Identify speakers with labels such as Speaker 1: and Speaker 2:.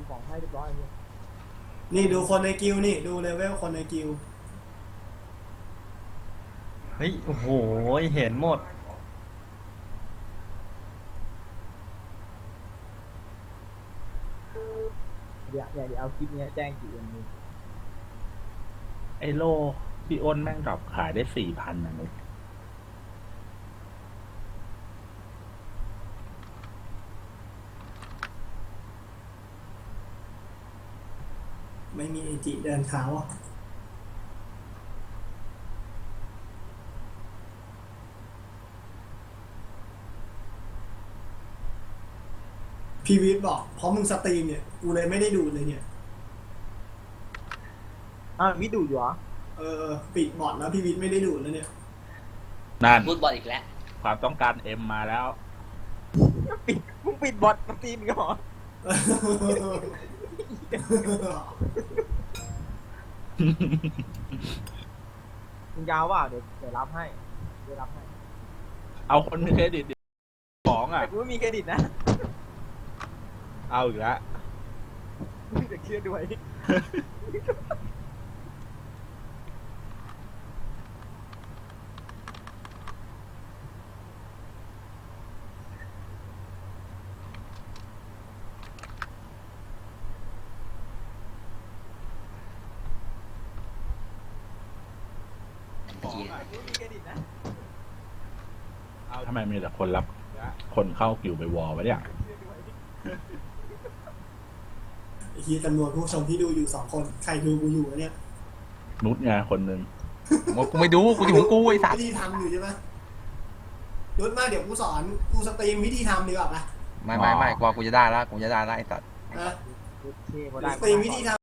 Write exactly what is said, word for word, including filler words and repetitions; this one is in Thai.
Speaker 1: ของให้เรียบร้อยเลย
Speaker 2: นี่ดูคนในกิลนี่ดูเลเวลคนในกิล
Speaker 3: เฮ้ยโอ้โหเห็นหมด
Speaker 1: เดี๋ยวเดี๋ยวเอาคลิปนี้แจ้งกี่เอ็มนี่
Speaker 4: ไอโลพี่อ้นแม่งดรอปขายได้สี่พันนะนุ๊ก
Speaker 2: ไม่มีเอจิเดินเท้าพี่วิทย์บอกเพราะมึงสตรีมเนี่ยกูเลยไม่ได้ดูเลยเนี่ย
Speaker 1: อ้าววิดูอยู่เหรอ
Speaker 2: เออปิดบอทแล้วพี่วิทย์ไม่ได้ดูแล้วเนี่ย
Speaker 4: นั่น
Speaker 5: พูดบอลอีกแล้ว
Speaker 4: ความต้องการเอ็มมาแล้ว
Speaker 1: ปิดมึงปิดบอทสตรีมอีกันเหรอมึงยาวว่าเดี๋ยวเดี๋ยวรับให้เดี๋ยวรับให้
Speaker 4: เอาคนมีเครดิตดิของอ่ะ
Speaker 1: แต่กูไม่มีเครดิตนะ
Speaker 4: เอาอีกแล้ว
Speaker 1: มึงจะเครียดด้วย
Speaker 4: ของอ่ะ
Speaker 1: กูไม่มีเครดิตนะ
Speaker 4: เอาทำไมมีแต่คนรับ คนเข้ากิวไปวอลวะเนี่ย
Speaker 2: ไอ้ที่จำนวนผู้ชมที่ดูอยู่สองคนใครดูกูอยู่วะเนี่ย
Speaker 4: นุชไงคนหนึ่ง
Speaker 6: ว่ากูไม่ดูกูอยู่ของกูไอ้สัต
Speaker 2: วิ
Speaker 6: ว์
Speaker 2: ธีทำอยู่ใช่ไหมรุดมาเดี๋ยวกูสอนกูสตรีมวิธีทำดีกว่าปะ
Speaker 6: ไม่ไม่ไม่กว่ากูจะได้ละกูจะได้ละไอ้สัตว์
Speaker 2: นะ
Speaker 1: โอเคพอ
Speaker 2: เดี๋
Speaker 1: ได้
Speaker 2: ยวสตรีมวิธีทำ